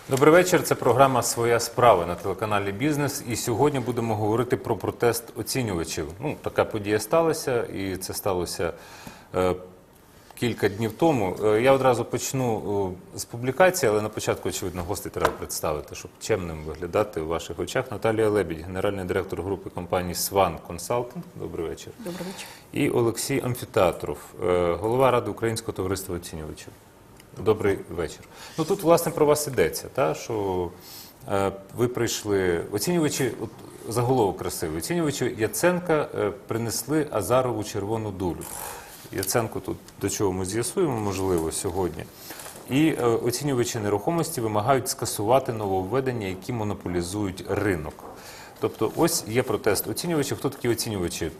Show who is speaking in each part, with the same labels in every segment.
Speaker 1: Добрий вечір. Це програма «Своя справа» на телеканалі «Бізнес». І сьогодні будемо говорити про протест оцінювачів. Така подія сталася, і це сталося кілька днів тому. Я одразу почну з публікації, але на початку, очевидно, гостей треба представити, щоб чемним виглядати у ваших очах. Наталія Лебідь, генеральний директор групи компанії «Сван Консалтинг». Добрий вечір.
Speaker 2: Добрий вечір.
Speaker 1: І Олексій Амфітеатров, голова Ради Українського товариства оцінювачів. Добрий вечір. Тут, власне, про вас йдеться, що ви прийшли, оцінювачі, заголовок красивий, оцінювачі Яценка принесли Азарову червону дулю. Яценко тут, до чого ми з'ясуємо, можливо, сьогодні. І оцінювачі нерухомості вимагають скасувати нововведення, які монополізують ринок. Тобто, ось є протест оцінювачів. Хто такі оцінювачі?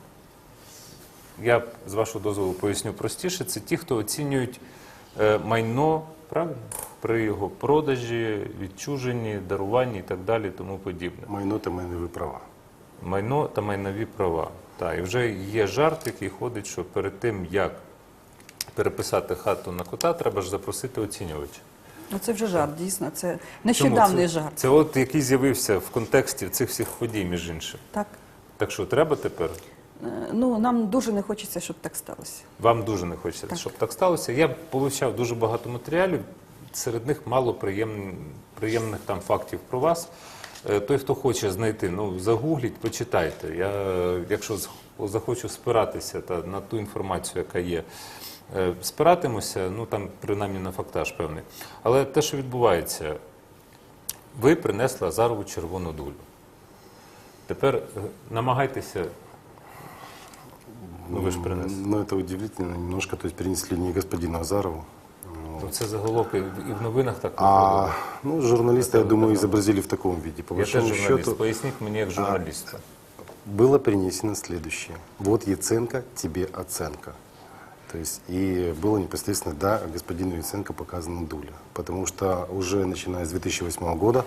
Speaker 1: Я, з вашого дозволу, поясню простіше. Це ті, хто оцінюють майно, правильно? При його продажі, відчуженні, даруванні і так далі, тому подібне.
Speaker 3: Майно та майнові права.
Speaker 1: Майно та майнові права. Так, і вже є жарт, який ходить, що перед тим, як переписати хату на кота, треба ж запросити оцінювача.
Speaker 2: Це вже жарт, дійсно. Це нещодавний жарт.
Speaker 1: Це от який з'явився в контексті цих всіх подій, між іншим.
Speaker 2: Так.
Speaker 1: Так що, треба тепер?
Speaker 2: Нам дуже не хочеться, щоб так сталося.
Speaker 1: Вам дуже не хочеться, щоб так сталося. Я получав дуже багато матеріалів, серед них мало приємних там фактів про вас. Той, хто хоче знайти, загугліть, почитайте. Я, якщо захочу спиратися на ту інформацію, яка є, спиратимуся, там принаймні на фактаж певний. Але те, що відбувається, ви принесли Азарову червону дулю. Тепер намагайтеся. Вы же принесли.
Speaker 3: Это удивительно немножко, то есть принесли не господину Азарову.
Speaker 1: Це заголовок і в новинах так виходило.
Speaker 3: Журналисты, я думаю, изобразили в таком виде. По
Speaker 1: Я теж
Speaker 3: большому
Speaker 1: журналіст,
Speaker 3: счету,
Speaker 1: поясніть мені як журналісту.
Speaker 3: было принесено следующее. Вот Яценко, тебе оценка. То есть, и было непосредственно, да, господину Яценко показана дуля. Потому что уже начиная с 2008 года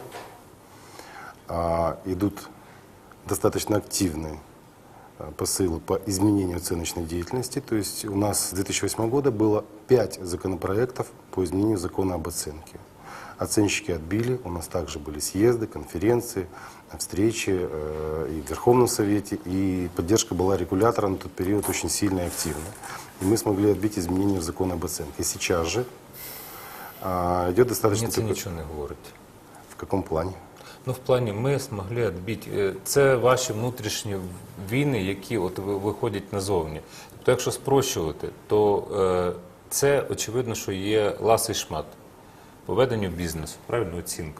Speaker 3: идут достаточно активные посылы по изменению оценочной деятельности. То есть у нас с 2008 года было 5 законопроектов по изменению закона об оценке. Оценщики отбили, у нас также были съезды, конференции, встречи и в Верховном Совете, и поддержка была регулятора на тот период очень сильная и активная. И мы смогли отбить изменения в закон об оценке. И сейчас же идет достаточно...
Speaker 1: Мені це нічого не говорить.
Speaker 3: В каком плане?
Speaker 1: В плані ми змогли відбити. Це ваші внутрішні війни, які виходять назовні. Тобто, якщо спрощувати, то це, очевидно, що є ласий шмат по веденню бізнесу, правильно, оцінка.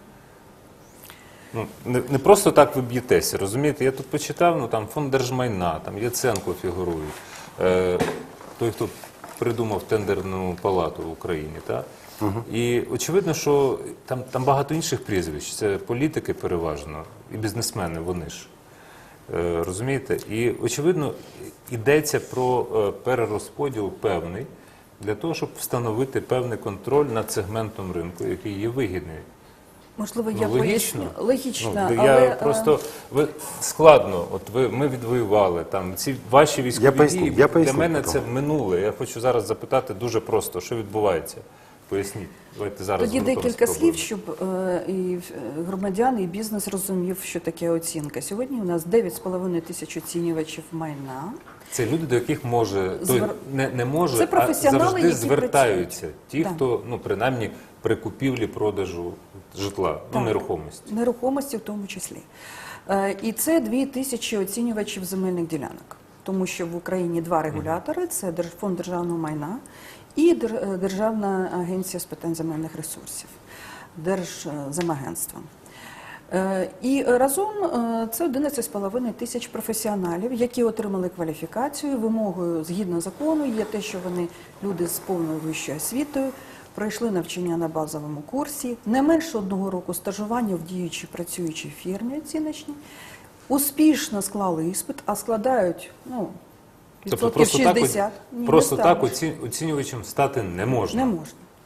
Speaker 1: Не просто так ви б'єтеся, розумієте? Я тут почитав, там фонд держмайна, там Яценко фігурують, той, хто придумав тендерну палату в Україні, так? І очевидно, що там багато інших прізвищ, це політики переважно, і бізнесмени, вони ж, розумієте? І очевидно, йдеться про перерозподіл певний, для того, щоб встановити певний контроль над сегментом ринку, який є вигідний.
Speaker 2: Можливо, я
Speaker 1: логічно.
Speaker 2: поясню. Логічно,
Speaker 1: але... Просто складно, ми відвоювали, ці ваші військові дії, для мене це минуле. Я хочу зараз запитати дуже просто, що відбувається. Поясніть. Давайте зараз.
Speaker 2: Тоді декілька слів, щоб і громадяни, і бізнес розумів, що таке оцінка. Сьогодні у нас 9,5 тисяч оцінювачів майна.
Speaker 1: Це люди, до яких не може,
Speaker 2: це професіонали,
Speaker 1: а завжди
Speaker 2: які
Speaker 1: звертаються.
Speaker 2: працюють.
Speaker 1: Ті, хто, принаймні, при купівлі-продажу житла, нерухомості.
Speaker 2: Нерухомості в тому числі. І це 2 тисячі оцінювачів земельних ділянок. Тому що в Україні 2 регулятори – це Фонд державного майна і Державна агенція з питань земельних ресурсів, Держземагентство. І разом це 11,5 тисяч професіоналів, які отримали кваліфікацію. Вимогою, згідно закону, є те, що вони люди з повною вищою освітою, пройшли навчання на базовому курсі, не менше 1 року стажування в діючій працюючій фірмі оціночній, успішно склали іспит, а складають,
Speaker 1: тобто
Speaker 2: відсотків 60.
Speaker 1: Просто так оцінювачем стати не можна.
Speaker 2: Не можна.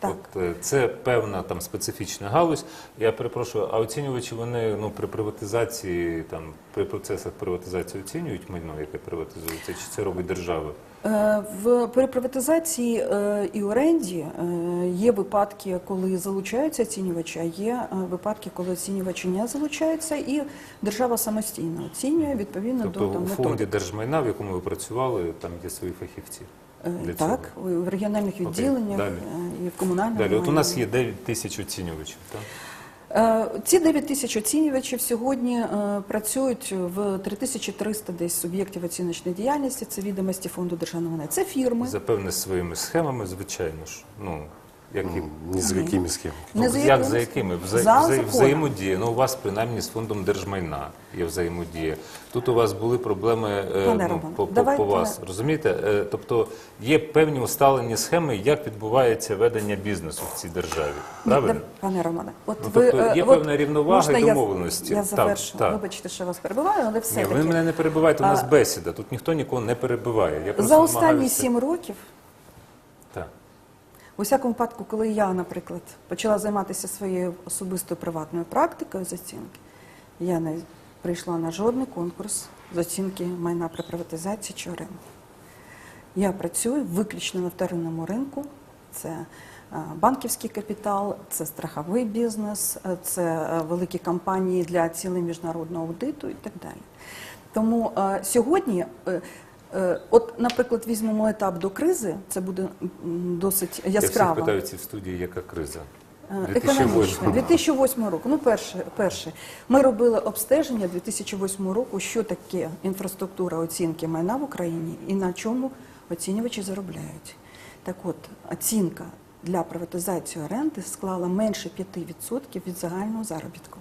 Speaker 2: Так.
Speaker 1: Це певна там специфічна галузь. Я перепрошую, а оцінювачі вони при приватизації, при процесах приватизації оцінюють майно, яке приватизується, чи це робить держава?
Speaker 2: При приватизації і оренді є випадки, коли залучаються оцінювачі, а є випадки, коли оцінювачі не залучаються, і держава самостійно оцінює відповідно
Speaker 1: Тобто
Speaker 2: до
Speaker 1: у фонді
Speaker 2: методики.
Speaker 1: держмайна, в якому ви працювали, там є свої фахівці? Для
Speaker 2: Так, в регіональних відділеннях
Speaker 1: далі.
Speaker 2: і в комунальному.
Speaker 1: Далі, от у нас
Speaker 2: майні.
Speaker 1: є 9 тисяч оцінювачів, так?
Speaker 2: Ці 9 тисяч оцінювачів сьогодні працюють в 3300 десь суб'єктів оціночної діяльності. Це відомості фонду державного майна. Це фірми.
Speaker 1: Запевне своїми схемами, звичайно ж. Як і
Speaker 3: Ни за какими схемами.
Speaker 2: Не за
Speaker 1: як
Speaker 2: якими?
Speaker 1: за якими?
Speaker 2: За законом.
Speaker 1: Взаємодія. У вас принаймні з фондом держмайна є взаємодія. Тут у вас були проблеми
Speaker 2: Пане Роман,
Speaker 1: по
Speaker 2: давайте-
Speaker 1: вас. Розумієте? Тобто є певні усталені схеми, як відбувається ведення бізнесу в цій державі. Правильно?
Speaker 2: Пане Романе,
Speaker 1: тобто є певна рівновага
Speaker 2: можна
Speaker 1: і
Speaker 2: я-
Speaker 1: домовленості.
Speaker 2: Я
Speaker 1: Так,
Speaker 2: завершу.
Speaker 1: так.
Speaker 2: Вибачте, що вас перебиваю, але
Speaker 1: Ні,
Speaker 2: все-таки.
Speaker 1: ви мене не перебиваєте, у нас бесіда. Тут ніхто нікого не перебиває. Я просто
Speaker 2: За останні
Speaker 1: намагаюся-
Speaker 2: 7 років,
Speaker 1: Так.
Speaker 2: у всякому випадку, коли я, наприклад, почала займатися своєю особистою приватною практикою з оцінки, я не прийшла на жодний конкурс з оцінки майна при приватизації чи оренді. Я працюю виключно на вторинному ринку. Це банківський капітал, це страховий бізнес, це великі компанії для цілей міжнародного аудиту і так далі. Тому сьогодні, от, наприклад, візьмемо етап до кризи, це буде досить
Speaker 1: Я всіх
Speaker 2: яскраво.
Speaker 1: питаю в студії, яка криза?
Speaker 2: Економічно. 2008 року. Ну, перше. Ми робили обстеження 2008 року, що таке інфраструктура оцінки майна в Україні і на чому оцінювачі заробляють. Так от, оцінка для приватизації оренди склала менше 5% від загального заробітку.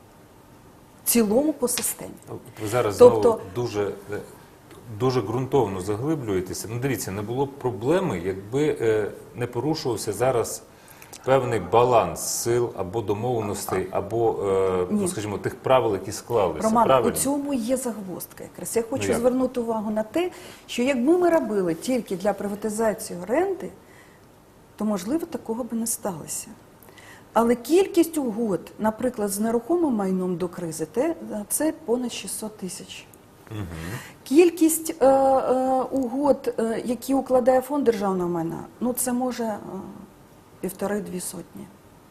Speaker 2: В цілому по системі.
Speaker 1: Ви зараз
Speaker 2: Тобто-
Speaker 1: знову дуже ґрунтовно заглиблюєтеся. Ну, дивіться, не було б проблеми, якби не порушувався зараз певний баланс сил або домовленостей, або, скажімо, тих правил, які склалися.
Speaker 2: Роман,
Speaker 1: Правильно?
Speaker 2: у цьому є загвоздка якраз. Я хочу
Speaker 1: Ну, як?
Speaker 2: звернути увагу на те, що якби ми робили тільки для приватизації оренди, то, можливо, такого би не сталося. Але кількість угод, наприклад, з нерухомим майном до кризи, це понад 600 тисяч. Кількість угод, які укладає фонд державного майна, ну це може 1,5-2 сотні.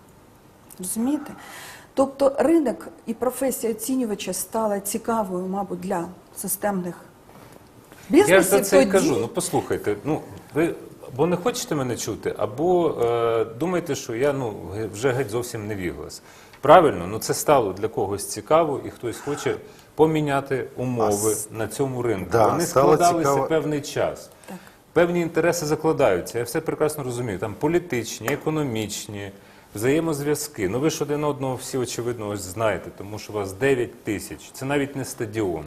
Speaker 2: Розумієте? Тобто ринок і професія оцінювача стала цікавою, мабуть, для системних бізнесів.
Speaker 1: Я ж за це і
Speaker 2: тоді-
Speaker 1: кажу. Ну, послухайте, ви або не хочете мене чути, або думаєте, що я вже геть зовсім не віглас. Правильно, це стало для когось цікаво, і хтось хоче поміняти умови на цьому ринку.
Speaker 3: Да,
Speaker 1: Вони
Speaker 3: стало
Speaker 1: складалися
Speaker 3: цікаво.
Speaker 1: певний час.
Speaker 2: Так.
Speaker 1: Певні інтереси закладаються, я все прекрасно розумію. Там політичні, економічні, взаємозв'язки. Ви ж один одного всі, очевидно, ось знаєте, тому що у вас 9 тисяч. Це навіть не стадіон.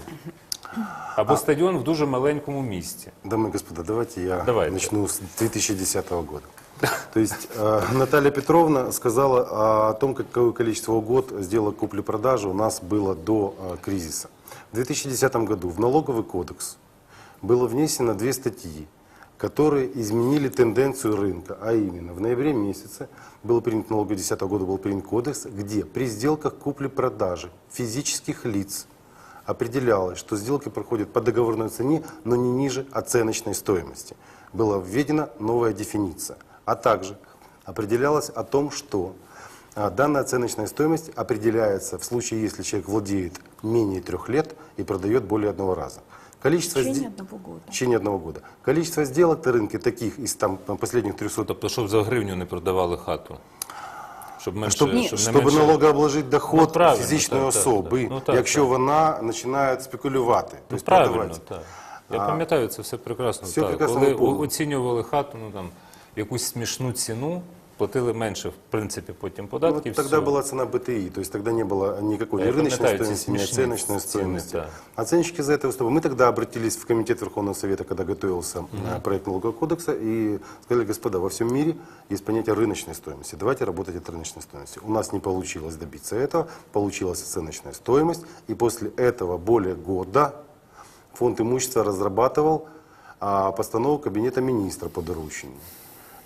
Speaker 1: Або стадіон в дуже маленькому місті.
Speaker 3: Дамы и господа, давайте я
Speaker 1: Давайте.
Speaker 3: начну с 2010 года. То есть Наталья Петровна сказала о том, какое количество угод сделок купли-продажи у нас было до кризиса. В 2010 году в налоговый кодекс было внесено 2 статьи, которые изменили тенденцию рынка, а именно в ноябре месяце был принят, налоговый 2010 года был принят кодекс, где при сделках купли-продажи физических лиц определялось, что сделки проходят по договорной цене, но не ниже оценочной стоимости. Была введена новая дефиниция. А также определялось о том, что данная оценочная стоимость определяется в случае, если человек владеет менее 3 лет и продает более 1 раза. Количество
Speaker 2: В течение
Speaker 3: сде-
Speaker 2: 1 года.
Speaker 3: в течение 1 года. Количество сделок на рынке таких из последних 300,
Speaker 1: Тобто, щоб за гривню не продавали хату. Щоб менше,
Speaker 3: щоб,
Speaker 1: не
Speaker 3: щоб
Speaker 1: менше...
Speaker 3: налогообложити доход
Speaker 1: правильно,
Speaker 3: фізичної
Speaker 1: так, так,
Speaker 3: особи,
Speaker 1: так. Ну, так,
Speaker 3: якщо
Speaker 1: так.
Speaker 3: вона починає спекулювати. Тобто
Speaker 1: Правильно,
Speaker 3: продавати.
Speaker 1: так. Я пам'ятаю це все прекрасно.
Speaker 3: Все
Speaker 1: так.
Speaker 3: прекрасно
Speaker 1: Коли
Speaker 3: ми помнимо.
Speaker 1: оцінювали хату, якусь смішну ціну, платили менше, в принципі, потім податків.
Speaker 3: Тогда была цена БТИ, то есть тогда не было никакой
Speaker 1: Я
Speaker 3: ни рыночной
Speaker 1: пам'ятаю ці
Speaker 3: стоимости, ни
Speaker 1: смішні
Speaker 3: оценочной
Speaker 1: ціни,
Speaker 3: стоимости.
Speaker 1: так.
Speaker 3: Оценщики за это выступали. Мы тогда обратились в Комитет Верховного Совета, когда готовился проект налогового кодекса, и сказали: господа, во всем мире есть понятие рыночной стоимости. Давайте работать от рыночной стоимости. У нас не получилось добиться этого, получилась оценочная стоимость, и после этого более года Фонд имущества разрабатывал постанову Кабинета министра по доручению.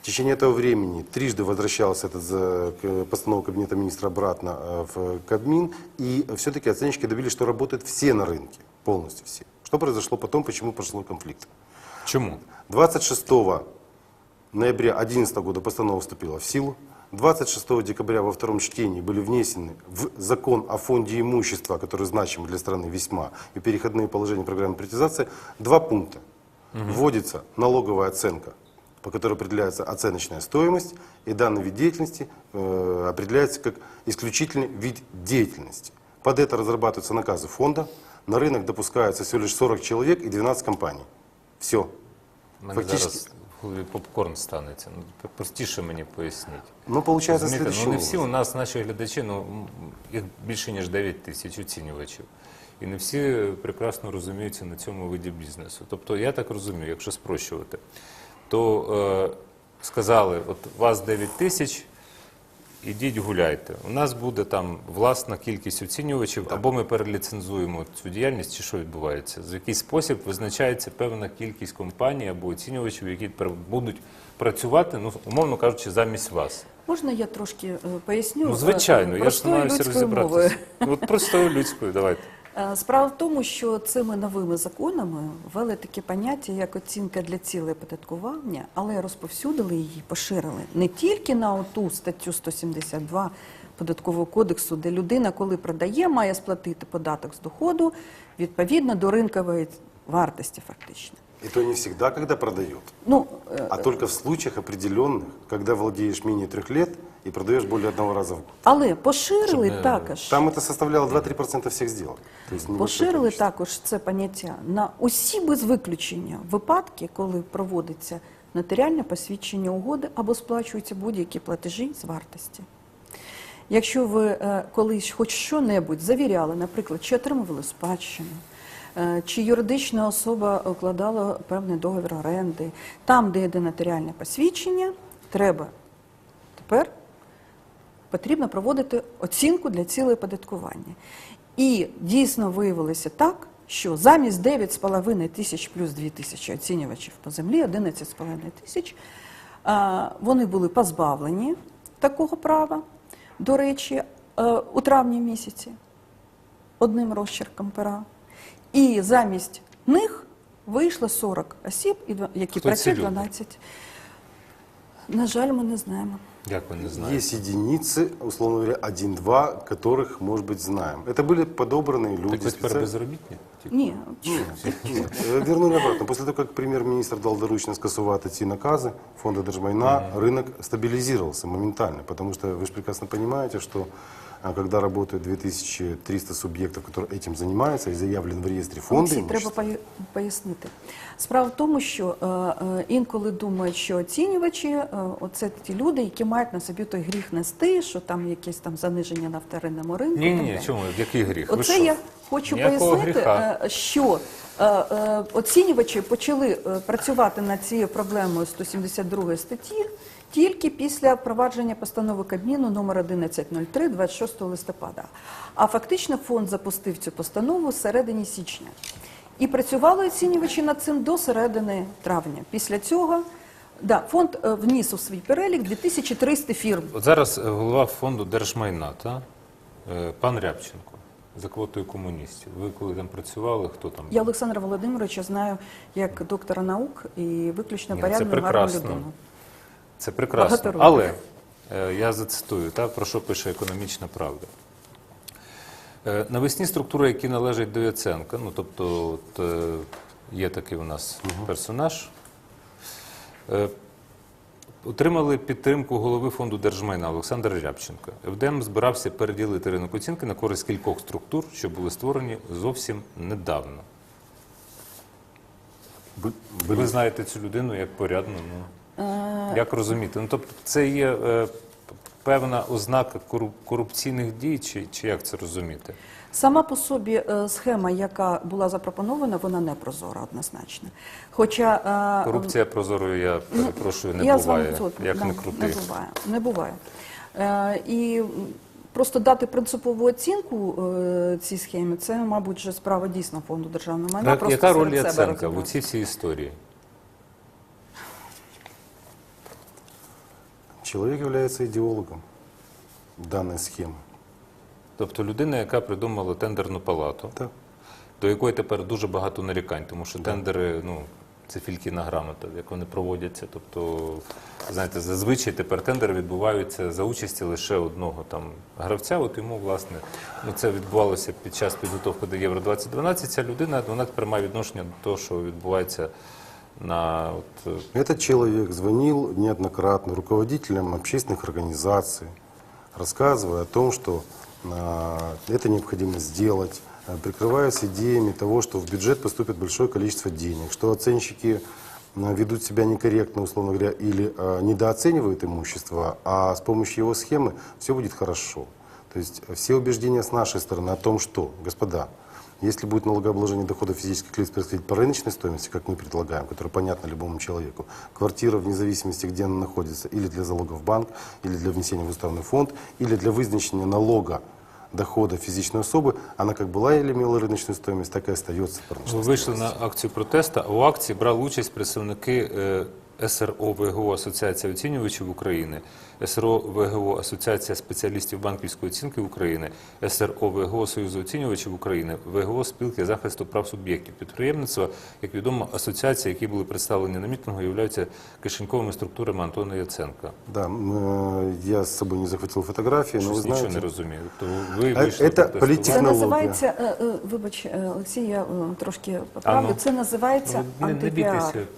Speaker 3: течение этого времени трижды возвращалась постанова Кабинета министра обратно в Кабмин, и все-таки оценщики добились, что работают все на рынке, полностью все. Что произошло потом, почему произошел конфликт?
Speaker 1: Чому?
Speaker 3: 26 ноября 2011 года постанова вступила в силу. 26 декабря во втором чтении были внесены в закон о фонде имущества, который значим для страны весьма, и переходные положения программы приватизации, 2 пункта. Вводится налоговая оценка, по которой определяется оценочная стоимость, и данный вид деятельности определяется как исключительный вид деятельности. Под это разрабатываются наказы фонда, на рынок допускается всего лишь 40 человек и 12 компаний. Все.
Speaker 1: У мене
Speaker 3: Фактично-
Speaker 1: зараз в голові попкорн станеться. Ну, простіше мені поясніть.
Speaker 3: Ну, получается
Speaker 1: Розумієте,
Speaker 3: следующее.
Speaker 1: не всі у нас, наші глядачі, їх більше, ніж 9 тисяч оцінювачів. І не всі прекрасно розуміються на цьому виді бізнесу. Тобто, я так розумію, якщо спрощувати, то сказали, от вас 9 тисяч, ідіть гуляйте. У нас буде там власна кількість оцінювачів, або ми переліцензуємо цю діяльність, чи що відбувається. В який спосіб визначається певна кількість компаній або оцінювачів, які будуть працювати, ну, умовно кажучи, замість вас.
Speaker 2: Можна я трошки поясню?
Speaker 1: Ну, звичайно, я ж
Speaker 2: простою
Speaker 1: намагаюся
Speaker 2: людською мовою?
Speaker 1: розібратися. Ну, от простою людською, давайте.
Speaker 2: Справа в тому, що цими новими законами ввели таке поняття, як оцінка для цілей оподаткування, але розповсюдили її, поширили не тільки на оту статтю 172 Податкового кодексу, де людина, коли продає, має сплатити податок з доходу відповідно до ринкової вартості фактично.
Speaker 3: И то не всегда, когда продает,
Speaker 2: Ну,
Speaker 3: а только в случаях определенных, когда владеешь менее 3 лет и продаешь более 1 раза в год.
Speaker 2: але поширили
Speaker 1: Щоб не-
Speaker 2: також.
Speaker 3: Там это составляло 2-3% всех сделок. То есть небольшое
Speaker 2: Поширили
Speaker 3: количество.
Speaker 2: також це поняття на усі без виключення випадки, коли проводиться нотаріальне посвідчення угоди або сплачуються будь-які платежі з вартості. Якщо ви колись хоч що-небудь завіряли, наприклад, чи отримували спадщину, чи юридична особа укладала певний договір оренди, там, де йде нотаріальне посвідчення, потрібно проводити оцінку для цілей оподаткування. І дійсно виявилося так, що замість 9,5 тисяч плюс 2 тисячі оцінювачів по землі, 11,5 тисяч, вони були позбавлені такого права, до речі, у травні місяці, одним розчерком пера. І замість них вийшло 40 осіб, які
Speaker 1: Хто ці
Speaker 2: працюють
Speaker 1: люди?
Speaker 2: 12. На жаль, ми не знаємо.
Speaker 1: Як ви не знаєте?
Speaker 3: Есть единицы, условно говоря, 1-2, которых, может быть, знаем. Это были подобранные люди.
Speaker 1: Так ви тепер
Speaker 3: специально-
Speaker 1: безробітні?
Speaker 2: Ні,
Speaker 3: Нет, вернули обратно. После того, как премьер-министр дал доручение скасувати ці наказы фонда Держмайна, рынок стабилизировался моментально. Потому что вы же прекрасно понимаете, что когда работают 2300 субъектов, которые этим занимаются, и заявлен в реестре фонда
Speaker 2: Олексій, треба
Speaker 3: имущества,
Speaker 2: пояснити. Справа в тому, що інколи думають, що оцінювачі оце ті люди, які мають на собі той гріх нести, що там якесь там заниження на вторинному ринку. і так
Speaker 1: Ні,
Speaker 2: далі.
Speaker 1: чому? Який гріх? Ви
Speaker 2: Оце
Speaker 1: що?
Speaker 2: я хочу
Speaker 1: Ніякого
Speaker 2: пояснити,
Speaker 1: гріха.
Speaker 2: що оцінювачі почали працювати над цією проблемою 172 статті тільки після впровадження постанови Кабміну номер 1103 26 листопада. А фактично фонд запустив цю постанову з середини січня. І працювали оцінювачі над цим до середини травня. Після цього фонд вніс у свій перелік 2300 фірм.
Speaker 1: От зараз голова фонду Держмайна, та? Пан Рябченко, за квотою комуністів. Ви коли там працювали, хто там?
Speaker 2: Я Олександра Володимировича знаю як доктора наук і виключно
Speaker 1: Ні, це
Speaker 2: порядну гарну
Speaker 1: прекрасно.
Speaker 2: людину.
Speaker 1: Це прекрасно.
Speaker 2: Багато років.
Speaker 1: Але я зацитую, про що пише «Економічна правда». Навесні структури, які належать до Яценка, ну тобто от, є такий у нас персонаж, отримали підтримку голови фонду Держмайна Олександра Рябченка. ФДМ збирався переділити ринок оцінки на користь кількох структур, що були створені зовсім недавно. Ви знаєте цю людину як порядну, як розуміти? Ну, тобто це є певна ознака корупційних дій, чи як це розуміти?
Speaker 2: Сама по собі схема, яка була запропонована, вона не прозора однозначно. Хоча
Speaker 1: Корупція прозорою, я перепрошую, не
Speaker 2: я з вами
Speaker 1: буває,
Speaker 2: згодна.
Speaker 1: як
Speaker 2: Да,
Speaker 1: не крути.
Speaker 2: Не буває. І просто дати принципову оцінку цій схемі, це, мабуть, вже справа дійсно фонду державного майна.
Speaker 1: Так,
Speaker 2: просто
Speaker 1: яка роль
Speaker 2: серед себе
Speaker 1: Яценка в
Speaker 2: розібратися.
Speaker 1: цій всій історії?
Speaker 3: человек является идеологом данной схемы.
Speaker 1: Тобто людина, яка придумала тендерну палату,
Speaker 3: Да.
Speaker 1: до якої тепер дуже багато нарікань, тому що тендери, ну, це фількіна грамота, як вони проводяться. Тобто, знаєте, зазвичай тепер тендери відбуваються за участі лише одного там гравця. От йому, власне, ну, це відбувалося під час підготовки до Євро-2012. Ця людина, вона тепер має відношення до того, що відбувається на... От,
Speaker 3: Этот человек звонил неоднократно руководителям общественных организаций, рассказывая о том, что это необходимо сделать, прикрываясь идеями того, что в бюджет поступит большое количество денег, что оценщики ведут себя некорректно, условно говоря, или недооценивают имущество, а с помощью его схемы все будет хорошо. То есть все убеждения с нашей стороны о том, что, господа, если будет налогообложение доходов физических лиц происходить по рыночной стоимости, как мы предлагаем, которая понятна любому человеку, квартира вне зависимости, где она находится, или для залога в банк, или для внесения в уставный фонд, или для вызначения налога дохода физичной особы, она как была или имела рыночную стоимость, так и остается по рыночной
Speaker 1: Ви вийшли
Speaker 3: стоимости.
Speaker 1: на акцію протесту, а у акції брали участь представники СРО ВГО Асоціація оцінювачів України, СРО ВГО Асоціація спеціалістів банківської оцінки України, СРО ВГО Союзу оцінювачів України, ВГО Спілки захисту прав суб'єктів підприємництва. Як відомо, асоціації, які були представлені на мітингу, являються кишеньковими структурами Антона Яценка.
Speaker 3: Да, я с собой не захватил фотографии, но вы
Speaker 1: Щось нічого не
Speaker 3: знаете,
Speaker 1: розумію. Тобто ви вийшли
Speaker 3: це
Speaker 1: протестувати.
Speaker 3: політична
Speaker 2: Це
Speaker 3: Технологія.
Speaker 2: називається, вибач, Олексій, я трошки поправлю,
Speaker 1: А ну.
Speaker 2: це називається
Speaker 1: Не
Speaker 2: антипіар.
Speaker 1: бійтеся.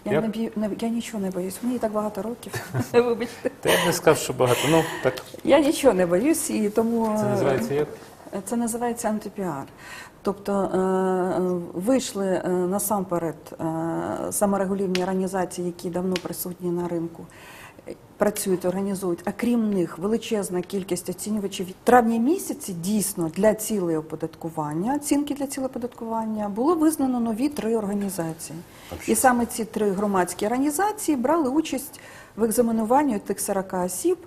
Speaker 2: Я нічого не боюсь, мені і так багато років, вибачте.
Speaker 1: Та я б не сказав, що багато. Ну, так,
Speaker 2: Я нічого не боюсь, і тому
Speaker 1: це називається як?
Speaker 2: це називається антипіар. Тобто вийшли насамперед саморегулівні організації, які давно присутні на ринку, працюють, організують, а крім них величезна кількість оцінювачів. В травні місяці дійсно для цілей оподаткування, оцінки для цілей оподаткування, було визнано нові 3 організації. І саме ці 3 громадські організації брали участь в екзаменуванні тих 40 осіб.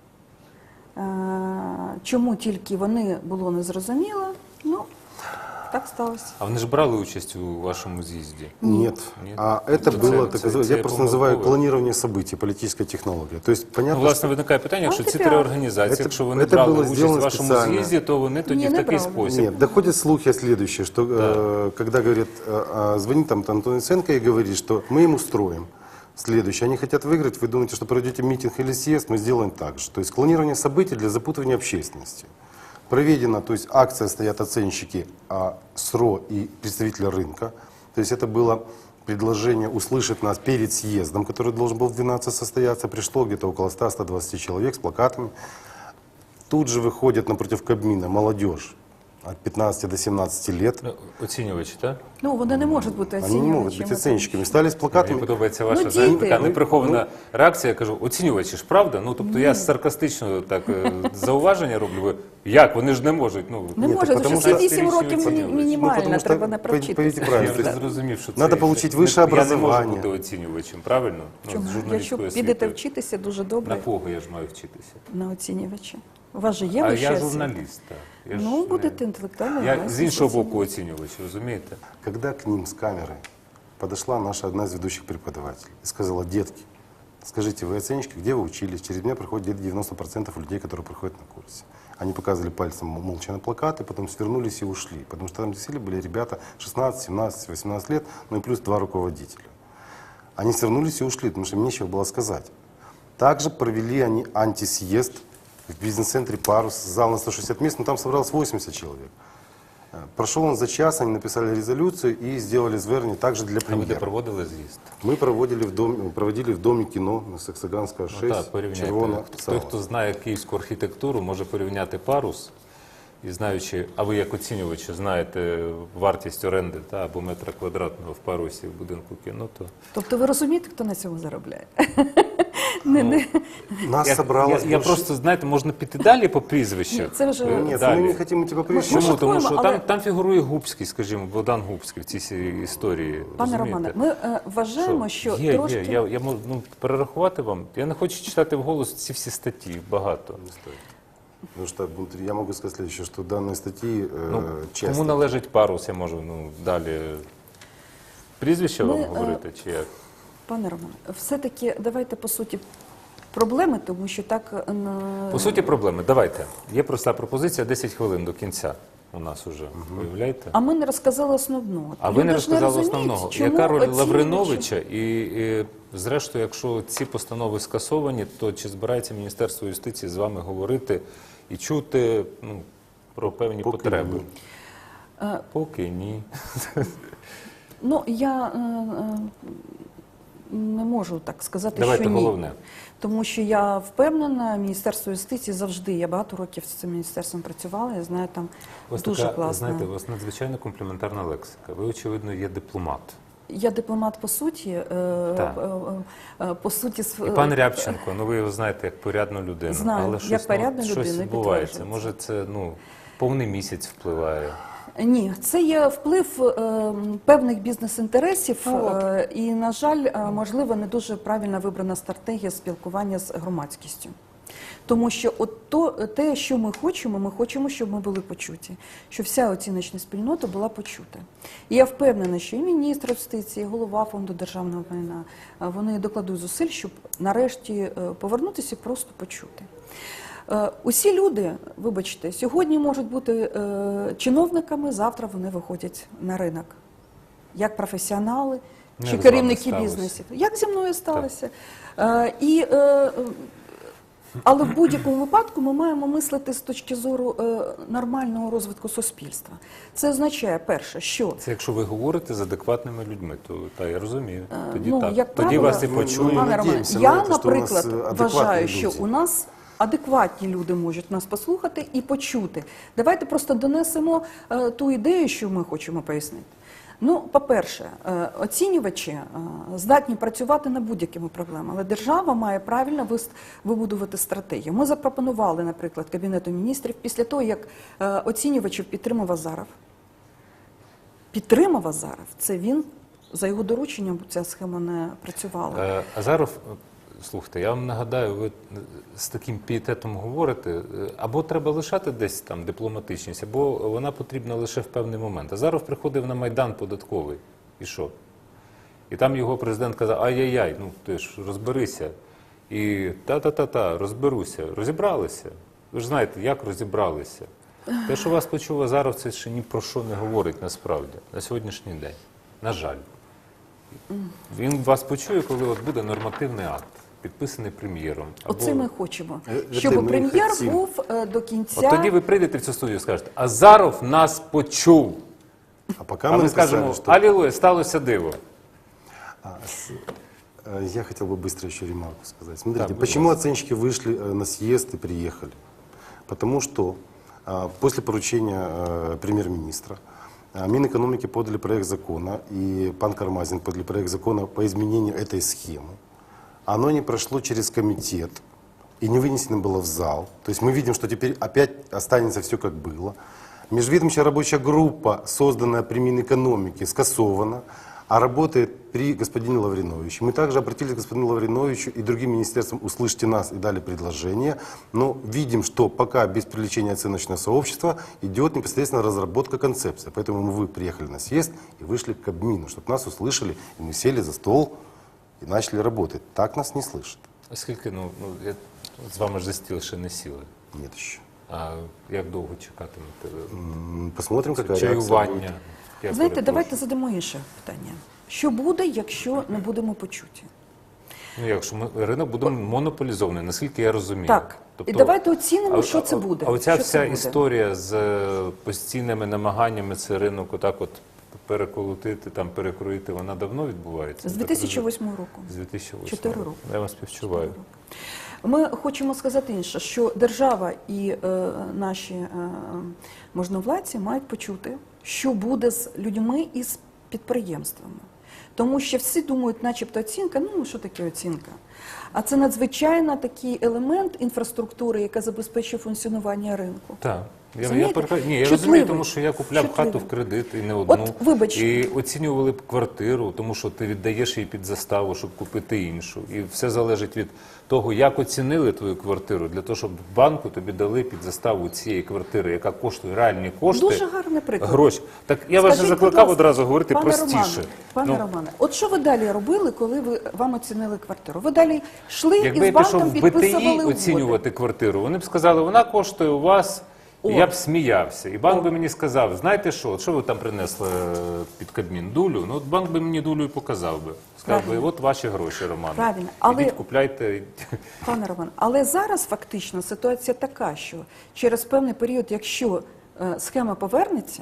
Speaker 2: Чому тільки вони, було незрозуміло, ну, так сталося.
Speaker 1: А вони ж брали участь у вашому з'їзді?
Speaker 3: нет.
Speaker 1: Нет.
Speaker 3: А это
Speaker 1: Це-
Speaker 3: было,
Speaker 1: це-
Speaker 3: так называемое,
Speaker 1: це
Speaker 3: я просто называю
Speaker 1: помилково.
Speaker 3: клонирование событий, политическая технология. То есть
Speaker 1: Ну,
Speaker 3: понятно,
Speaker 1: власне, виникає питання, якщо ці 3
Speaker 2: Антипіар.
Speaker 1: організації,
Speaker 3: Це-
Speaker 1: якщо вони
Speaker 3: це
Speaker 1: брали
Speaker 3: було
Speaker 1: участь у
Speaker 3: зроблено
Speaker 1: вашому
Speaker 3: спеціально.
Speaker 1: з'їзді, то вони тоді
Speaker 2: Ні,
Speaker 1: в
Speaker 2: не
Speaker 1: такий
Speaker 2: брали.
Speaker 1: спосіб.
Speaker 3: Нет, доходят слухи о следующее, что когда говорит, звонит там Антон Яценко и говорит, что мы им устроим следующее. Они хотят выиграть, вы думаете, что проведете митинг или съезд, мы сделаем так же. То есть клонирование событий для запутывания общественности. Проведена, то есть акция, стоят оценщики СРО и представители рынка. То есть это было предложение услышать нас перед съездом, который должен был в 12 состояться. Пришло где-то около 100-120 человек с плакатами. Тут же выходит напротив Кабмина молодежь от 15 до 17 лет.
Speaker 1: Ну, оцінювачі, так?
Speaker 2: Ну, вони не можуть бути
Speaker 3: Они не могут
Speaker 2: оцінювачами.
Speaker 3: быть оценщиками. Стали с
Speaker 1: Мені
Speaker 3: плакатами.
Speaker 1: подобається
Speaker 2: Ну,
Speaker 1: ваша
Speaker 2: діти.
Speaker 1: знаєте, така неприхована реакція. Я кажу, оцінювачі ж, правда? Ну, тобто я саркастично так зауваження роблю. Ви, як? Вони ж не можуть. Ну,
Speaker 2: Не
Speaker 3: Ні,
Speaker 2: можуть,
Speaker 3: так
Speaker 2: тому
Speaker 3: потому
Speaker 2: що
Speaker 3: що
Speaker 2: 8 років
Speaker 1: оцінювачі.
Speaker 2: мінімально,
Speaker 3: потому що,
Speaker 2: треба не
Speaker 3: пойдіть
Speaker 2: провчитися.
Speaker 3: правильно.
Speaker 1: я вже зрозумів, що
Speaker 3: Надо
Speaker 1: це...
Speaker 3: получить
Speaker 1: не-
Speaker 3: высшее
Speaker 1: Я не
Speaker 3: образование.
Speaker 1: можу бути оцінювачем, правильно? Ну,
Speaker 2: Чому?
Speaker 1: з
Speaker 2: Якщо
Speaker 1: журналістською
Speaker 2: підете
Speaker 1: освітою.
Speaker 2: вчитися дуже
Speaker 1: На
Speaker 2: добре
Speaker 1: кого я ж маю вчитися?
Speaker 2: на оцінювача. У вас же є
Speaker 1: А
Speaker 2: вища
Speaker 1: я
Speaker 2: освіта?
Speaker 1: журналіст, так. Я ж
Speaker 2: Ну,
Speaker 1: не-
Speaker 2: будете інтелектуально.
Speaker 1: Я
Speaker 2: власність
Speaker 1: з іншого
Speaker 2: оцінювати.
Speaker 1: боку оцінювач, розумієте?
Speaker 3: Когда к ним с камерой подошла наша одна из ведущих преподавателей и сказала: детки, скажите, вы оценщики, где вы учились? Через меня проходит где-то 90% людей, которые приходят на курсы. Они показывали пальцем молча на плакаты, потом свернулись и ушли. Потому что там действительно были ребята 16, 17, 18 лет, ну и плюс 2 руководителя. Они свернулись и ушли, потому что им нечего было сказать. Также провели они антисъезд в бизнес-центре «Парус», зал на 160 мест, но там собралось 80 человек. Прошел он за час, они написали резолюцию и сделали звернення также для
Speaker 1: А ви де
Speaker 3: премьера.
Speaker 1: проводили з'їзд?
Speaker 3: Мы проводили в Доме кино на Саксаганского 6,
Speaker 1: Ну, так, порівняйте.
Speaker 3: червона
Speaker 1: Той,
Speaker 3: зала.
Speaker 1: хто знає київську архітектуру, може порівняти парус і знаючи, а ви як оцінювачі знаєте вартість оренди або метра квадратного в парусі в будинку кіно, то
Speaker 2: Тобто ви розумієте, хто на цьому заробляє?
Speaker 3: Нас собралось
Speaker 1: я
Speaker 3: больше...
Speaker 1: просто, знаєте, можна піти далі по прізвищах.
Speaker 2: Ні, це вже-
Speaker 3: Нет,
Speaker 1: далі.
Speaker 3: мы не хотим идти по причине.
Speaker 2: Ми
Speaker 1: Чому? Тому
Speaker 2: шуткуємо,
Speaker 1: що
Speaker 2: але-
Speaker 1: там фігурує Губський, скажімо, Богдан Губський в цій всій історії.
Speaker 2: Пане
Speaker 1: розумієте?
Speaker 2: Романе, ми вважаємо, що
Speaker 1: є,
Speaker 2: трошки...
Speaker 1: є. Я можу перерахувати вам. Я не хочу читати вголос ці всі статті, багато.
Speaker 3: Потому что я могу сказать следующее, что данные статьи
Speaker 1: Ну,
Speaker 3: часто...
Speaker 1: кому належить парус, я можу далі прізвище вам
Speaker 2: Ми,
Speaker 1: говорити, чи як?
Speaker 2: Пане Романе, все-таки давайте по суті проблеми, тому що так
Speaker 1: По суті, проблеми. Давайте. Є проста пропозиція, 10 хвилин до кінця у нас уже. Уявляєте?
Speaker 2: А ми не розказали основного.
Speaker 1: А ви не
Speaker 2: Люди ж
Speaker 1: розказали
Speaker 2: розуміють,
Speaker 1: основного.
Speaker 2: чому
Speaker 1: Яка роль
Speaker 2: оцінювачі-
Speaker 1: Лавриновича? І зрештою, якщо ці постанови скасовані, то чи збирається Міністерство юстиції з вами говорити і чути про певні
Speaker 3: Поки
Speaker 1: потреби?
Speaker 3: ні.
Speaker 1: Поки ні.
Speaker 2: Ну, я не можу так сказати,
Speaker 1: Давайте
Speaker 2: що ні.
Speaker 1: головне.
Speaker 2: Тому що я впевнена, Міністерство юстиції завжди, я багато років з цим міністерством працювала, я знаю, там
Speaker 1: У вас
Speaker 2: дуже
Speaker 1: така,
Speaker 2: класно.
Speaker 1: знаєте, у вас надзвичайно компліментарна лексика. Ви, очевидно, є дипломат.
Speaker 2: Я дипломат по суті,
Speaker 1: Так.
Speaker 2: по суті,
Speaker 1: І пан Рябченко, ви його знаєте як порядну людину.
Speaker 2: Знаю,
Speaker 1: але
Speaker 2: як
Speaker 1: щось,
Speaker 2: порядну
Speaker 1: щось
Speaker 2: людину,
Speaker 1: відбувається.
Speaker 2: підтверджується.
Speaker 1: Може, це повний місяць впливає.
Speaker 2: Ні, це є вплив певних бізнес-інтересів і, на жаль, можливо, не дуже правильно вибрана стратегія спілкування з громадськістю. Тому що те, що ми хочемо, щоб ми були почуті, щоб вся оціночна спільнота була почута. І я впевнена, що і міністр юстиції, і голова Фонду державного майна, вони докладуть зусиль, щоб нарешті повернутися і просто почути. Усі люди, вибачте, сьогодні можуть бути чиновниками, завтра вони виходять на ринок. Як професіонали
Speaker 1: Ну,
Speaker 2: чи
Speaker 1: як з вами
Speaker 2: керівники
Speaker 1: сталося.
Speaker 2: бізнесів. Як зі мною сталося. Але в будь-якому випадку ми маємо мислити з точки зору нормального розвитку суспільства. Це означає, перше, що
Speaker 1: Це якщо ви говорите з адекватними людьми, то я розумію. Тоді так.
Speaker 2: як
Speaker 1: Тоді
Speaker 2: правило,
Speaker 1: вас і
Speaker 3: ну,
Speaker 1: почують.
Speaker 3: ну,
Speaker 2: Пане Романе,
Speaker 3: надіємося на
Speaker 2: я,
Speaker 3: це, що у нас
Speaker 2: наприклад,
Speaker 3: адекватні
Speaker 2: вважаю, що
Speaker 3: люди.
Speaker 2: у нас адекватні люди можуть нас послухати і почути. Давайте просто донесемо ту ідею, що ми хочемо пояснити. Ну, по-перше, оцінювачі здатні працювати над будь-якими проблемами, але держава має правильно вибудувати стратегію. Ми запропонували, наприклад, Кабінету міністрів після того, як оцінювачів підтримав Азаров. Це він, за його дорученням ця схема не працювала.
Speaker 1: Азаров, слухайте, я вам нагадаю, ви з таким пієтетом говорите, або треба лишати десь там дипломатичність, або вона потрібна лише в певний момент. Азаров приходив на Майдан податковий. І що? І там його президент казав, ай-яй-яй, ти ж розберися. І та-та-та-та, розберуся. Розібралися. Ви ж знаєте, як розібралися. Те, що вас почув Азаров, це ще ні про що не говорить насправді, на сьогоднішній день. На жаль. Він вас почує, коли от буде нормативний акт, підписаний прем'єром.
Speaker 2: Оце ми хочемо,
Speaker 3: Це
Speaker 2: щоб
Speaker 3: ми
Speaker 2: прем'єр
Speaker 3: хотімо.
Speaker 2: був до кінця.
Speaker 1: От тоді ви прийдете в цю студію і скажете, Азаров нас почув.
Speaker 3: А пока
Speaker 1: А
Speaker 3: мы
Speaker 1: ми
Speaker 3: написали,
Speaker 1: скажемо,
Speaker 3: что...
Speaker 1: алілуя, сталося диво.
Speaker 3: Я хотел бы быстро еще ремарку сказать. Смотрите,
Speaker 1: Да, будь
Speaker 3: почему
Speaker 1: ласка.
Speaker 3: оценщики вышли на съезд и приехали? Потому что после поручения премьер-министра Минэкономики подали проект закона, и пан Кармазин подали проект закона по изменению этой схемы. Оно не прошло через комитет и не вынесено было в зал. То есть мы видим, что теперь опять останется все как было. Межведомственная рабочая группа, созданная при Минэкономике, скасована, а работает при господине Лавриновиче. Мы также обратились к господину Лавриновичу и другим министерствам, услышьте нас, и дали предложение. Но видим, что пока без привлечения оценочного сообщества идет непосредственно разработка концепции. Поэтому мы приехали на съезд и вышли к Кабмину, чтобы нас услышали, и мы сели за стол и начали работать. Так нас не слышат.
Speaker 1: Оскільки, я з вами ж за стіл ще не сіли.
Speaker 3: Нет еще.
Speaker 1: А як довго чекатимете?
Speaker 3: Посмотрим, какая реакция будет.
Speaker 1: Чаювання. Я
Speaker 2: Знаєте,
Speaker 1: перепрошую.
Speaker 2: давайте задамо інше питання. Що буде, якщо не будемо почуті?
Speaker 1: Якщо ринок буде монополізований, наскільки я розумію.
Speaker 2: Так. І давайте оцінимо, що це буде.
Speaker 1: А оця
Speaker 2: Що це
Speaker 1: вся
Speaker 2: буде?
Speaker 1: історія з постійними намаганнями цей ринок отак от переколотити, там перекроїти, вона давно відбувається?
Speaker 2: З
Speaker 1: Так
Speaker 2: 2008 року.
Speaker 1: розумію? З 2008
Speaker 2: 4 роки.
Speaker 1: Я вас співчуваю.
Speaker 2: Ми хочемо сказати інше, що держава і наші можновладці мають почути, що буде з людьми і з підприємствами. Тому що всі думають, начебто оцінка, що таке оцінка? А це надзвичайно такий елемент інфраструктури, яка забезпечує функціонування ринку.
Speaker 1: Так.
Speaker 2: Розумієте?
Speaker 1: Ні, я
Speaker 2: Чутливий.
Speaker 1: розумію, тому що я купляв
Speaker 2: Чутливий.
Speaker 1: хату в кредит і не одну.
Speaker 2: От, вибачте.
Speaker 1: І оцінювали б квартиру, тому що ти віддаєш її під заставу, щоб купити іншу. І все залежить від того, як оцінили твою квартиру, для того, щоб в банку тобі дали під заставу цієї квартири, яка коштує реальні кошти.
Speaker 2: Дуже гарний приклад.
Speaker 1: Гроші. Так я вас
Speaker 2: Скажіть,
Speaker 1: же
Speaker 2: будь
Speaker 1: закликав
Speaker 2: ласка,
Speaker 1: одразу говорити
Speaker 2: пане
Speaker 1: простіше.
Speaker 2: Романе, Романе, от що ви далі робили, коли вам оцінили квартиру? Ви далі йшли
Speaker 1: Якби
Speaker 2: і з
Speaker 1: я пішов
Speaker 2: банком
Speaker 1: в БТІ
Speaker 2: підписували угоди?
Speaker 1: оцінювати квартиру, вони б сказали, вона коштує у вас, і я б сміявся. І банк би мені сказав, знаєте що, от що ви там принесли під Кабмін? Дулю? Ну от банк би мені дулю і показав би. Сказав би,
Speaker 2: Правильно.
Speaker 1: от ваші гроші, Роман.
Speaker 2: Правильно. Але-
Speaker 1: Ідіть, купляйте.
Speaker 2: Пане Роман, але зараз фактично ситуація така, що через певний період, якщо схема повернеться,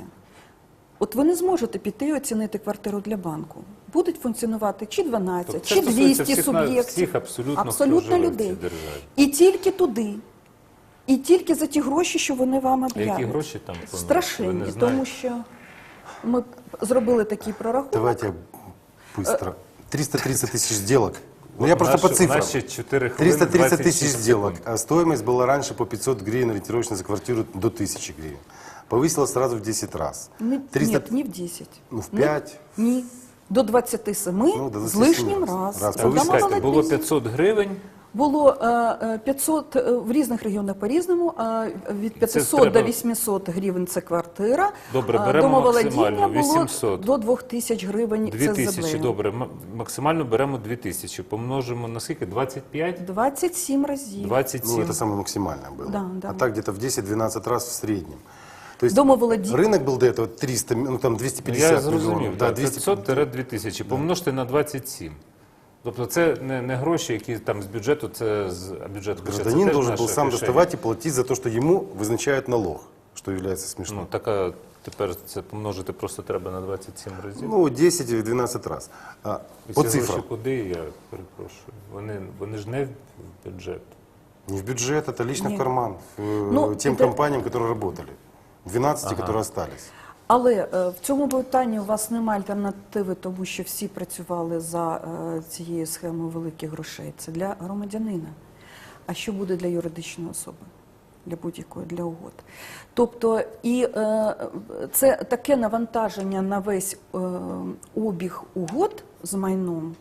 Speaker 2: от ви не зможете піти і оцінити квартиру для банку. Будуть функціонувати чи 12,
Speaker 1: Тобто
Speaker 2: чи
Speaker 1: це стосується
Speaker 2: 200
Speaker 1: всіх
Speaker 2: суб'єктів.
Speaker 1: всіх абсолютно, хто живе в цій
Speaker 2: людей.
Speaker 1: державі.
Speaker 2: І тільки туди. І тільки за ті гроші, що вони вам
Speaker 1: А
Speaker 2: об'являть.
Speaker 1: які гроші там? Ви
Speaker 2: Страшенні,
Speaker 1: не знаєте?
Speaker 2: тому що ми зробили такий прорахунок.
Speaker 3: Давайте я быстро. 330 тысяч сделок. Ну, я просто по
Speaker 1: У
Speaker 3: цифрам.
Speaker 1: нас ще 4 хвилини,
Speaker 3: 330
Speaker 1: 26
Speaker 3: тысяч
Speaker 1: секунд.
Speaker 3: сделок. А стоимость была раньше по 500 гривен ориентировочно за квартиру до 1000 гривен. Повысилась сразу в 10 раз.
Speaker 2: Ні,
Speaker 3: 300
Speaker 2: ні, в 10.
Speaker 3: Ну, в 5.
Speaker 2: Ні. До 27
Speaker 3: Ну, до
Speaker 2: з
Speaker 3: 27
Speaker 2: лишнім
Speaker 3: раз.
Speaker 2: раз.
Speaker 3: Раз.
Speaker 1: Ви
Speaker 2: Дамо
Speaker 1: скажете, було
Speaker 2: молодець.
Speaker 1: 500 гривень,
Speaker 2: Було 500 в різних регіонах по-різному, від 500
Speaker 1: треба-
Speaker 2: до 800 гривень це квартира.
Speaker 1: Добре, беремо
Speaker 2: Домоволодіння
Speaker 1: максимально,
Speaker 2: було
Speaker 1: 800.
Speaker 2: до 2000 гривень це
Speaker 1: 2000,
Speaker 2: землею.
Speaker 1: добре, максимально беремо 2000, помножимо на скільки? 25?
Speaker 2: 27 разів.
Speaker 1: 27.
Speaker 3: Ну, это самое максимальное было.
Speaker 2: Да, да.
Speaker 3: А так где-то в 10-12 раз в среднем. То есть
Speaker 2: Домоволодіння.
Speaker 3: рынок был до этого 300, ну там 250
Speaker 1: Я
Speaker 3: миллионов.
Speaker 1: зрозумів,
Speaker 3: Да,
Speaker 1: так,
Speaker 3: 200.
Speaker 1: 500-2000, помножте на 27. Тобто це не гроші, які там з бюджету, це з бюджету.
Speaker 3: Гражданин должен был сам доставать и платить за то, что ему вызначают налог, что является смешным.
Speaker 1: Ну, така, тепер це помножити просто треба на 27 разів.
Speaker 3: Ну, 10-12 раз.
Speaker 1: І
Speaker 3: По
Speaker 1: ці
Speaker 3: цифрам.
Speaker 1: гроші куди, я перепрошую? Вони ж не в бюджет.
Speaker 3: Не в бюджет, это лично
Speaker 2: Нет.
Speaker 3: в карман.
Speaker 2: Ну,
Speaker 3: Тем
Speaker 2: это-
Speaker 3: компаниям, которые работали. 12, которые остались.
Speaker 2: Але в цьому питанні у вас немає альтернативи, тому що всі працювали за цією схемою великих грошей. Це для громадянина. А що буде для юридичної особи? Для будь-якої, для угод. Тобто, і це таке навантаження на весь обіг угод з майном,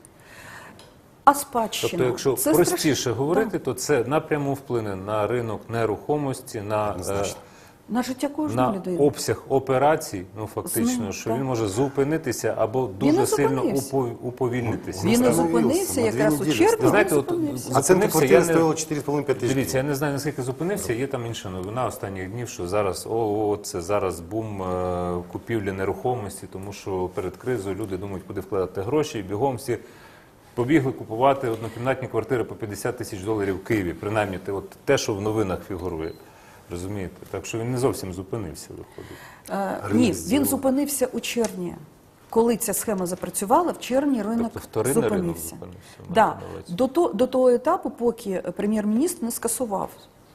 Speaker 2: а спадщина.
Speaker 1: Тобто, якщо
Speaker 2: це
Speaker 1: простіше
Speaker 2: страш-
Speaker 1: говорити, то це напряму вплине на ринок нерухомості, на,
Speaker 3: Однозначно.
Speaker 2: на життя кожної
Speaker 1: на
Speaker 2: людини.
Speaker 1: обсяг операцій, ну фактично,
Speaker 2: З ним,
Speaker 1: що
Speaker 2: так.
Speaker 1: він може зупинитися або
Speaker 2: Він
Speaker 1: дуже
Speaker 2: не
Speaker 1: сильно
Speaker 2: зупинився.
Speaker 1: уповільнитися.
Speaker 2: Він не
Speaker 3: Остановився
Speaker 2: зупинився
Speaker 3: на
Speaker 2: якраз
Speaker 3: 2
Speaker 2: у
Speaker 3: неділі.
Speaker 2: червні.
Speaker 1: Ви знаєте,
Speaker 2: він
Speaker 1: от
Speaker 2: зупинився.
Speaker 3: Оценка
Speaker 1: зупинився,
Speaker 3: квартиры
Speaker 1: я не...
Speaker 3: стоила 4,5-5 тысяч
Speaker 1: Дивіться, я
Speaker 3: гривен.
Speaker 1: не знаю, наскільки зупинився, є там інша новина останніх днів, що зараз, це зараз бум купівлі нерухомості, тому що перед кризою люди думають, куди вкладати гроші, і бігом всі побігли купувати однокімнатні квартири по 50 тисяч доларів в Києві, принаймні те, що в новинах фігурує. Розумієте? Так що він не зовсім зупинився, виходить.
Speaker 2: Ні,
Speaker 3: Ринок
Speaker 2: він зупинився у червні. Коли ця схема запрацювала, в червні ринок
Speaker 1: Тобто вторинний ринок
Speaker 2: зупинився.
Speaker 1: зупинився,
Speaker 2: Да.
Speaker 1: маєте на увазі.
Speaker 2: До того етапу, поки прем'єр-міністр не скасував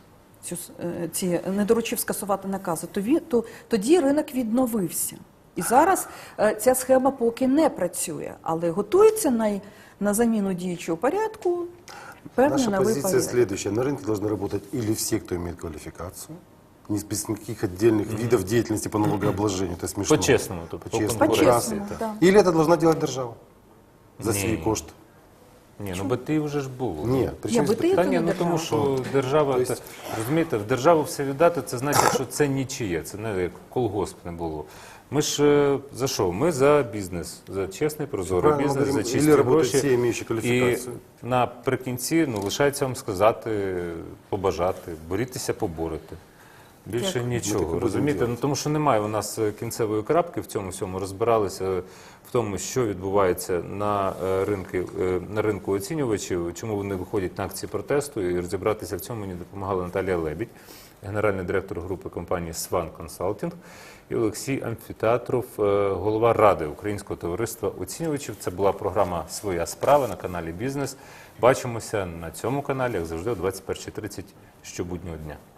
Speaker 2: не доручив скасувати накази, тоді ринок відновився. І зараз ця схема поки не працює, але готується на заміну діючого порядку певний
Speaker 3: Наша
Speaker 2: новий
Speaker 3: позиция
Speaker 2: порядок.
Speaker 3: следующая. На рынке должны работать или все, кто имеет квалификацию, без никаких отдельных видов деятельности по налогообложению. Это смешно.
Speaker 1: По-чесному, тобто,
Speaker 3: По-чесному.
Speaker 1: конкуренції,
Speaker 2: По-чесному,
Speaker 1: так.
Speaker 2: да.
Speaker 3: Или это должна делать держава за
Speaker 1: Ні.
Speaker 3: свій кошт.
Speaker 1: Ні, ну БТІ вже ж було.
Speaker 3: Ні, причому
Speaker 2: БТІ
Speaker 3: здесь-
Speaker 1: Та
Speaker 2: це
Speaker 1: ні,
Speaker 2: не
Speaker 1: ну тому
Speaker 2: держава.
Speaker 1: що держава,
Speaker 3: Тобто-
Speaker 1: розумієте, в державу все віддати, це значить, що це нічиє, це не як колгосп не було. Ми ж за що? Ми за бізнес, за чесний, прозорий
Speaker 3: Правильно
Speaker 1: бізнес, за
Speaker 3: говоримо.
Speaker 1: чисті
Speaker 3: Или работают
Speaker 1: гроші.
Speaker 3: все, имеющие
Speaker 1: І
Speaker 3: квалификацию.
Speaker 1: наприкінці лишається вам сказати, побажати, борітеся, поборете. Більше
Speaker 2: Дякую.
Speaker 3: Ми так і
Speaker 1: нічого,
Speaker 3: будемо
Speaker 1: розумієте?
Speaker 3: робити.
Speaker 1: Ну, тому що немає у нас кінцевої крапки в цьому всьому. Розбиралися в тому, що відбувається на ринку оцінювачів, чому вони виходять на акції протесту, і розібратися в цьому мені допомагала Наталія Лебідь, генеральний директор групи компанії «Сван Консалтінг», і Олексій Амфітеатров, голова Ради Українського товариства оцінювачів. Це була програма «Своя справа» на каналі «Бізнес». Бачимося на цьому каналі, як завжди, о 21:30 щобуднього дня.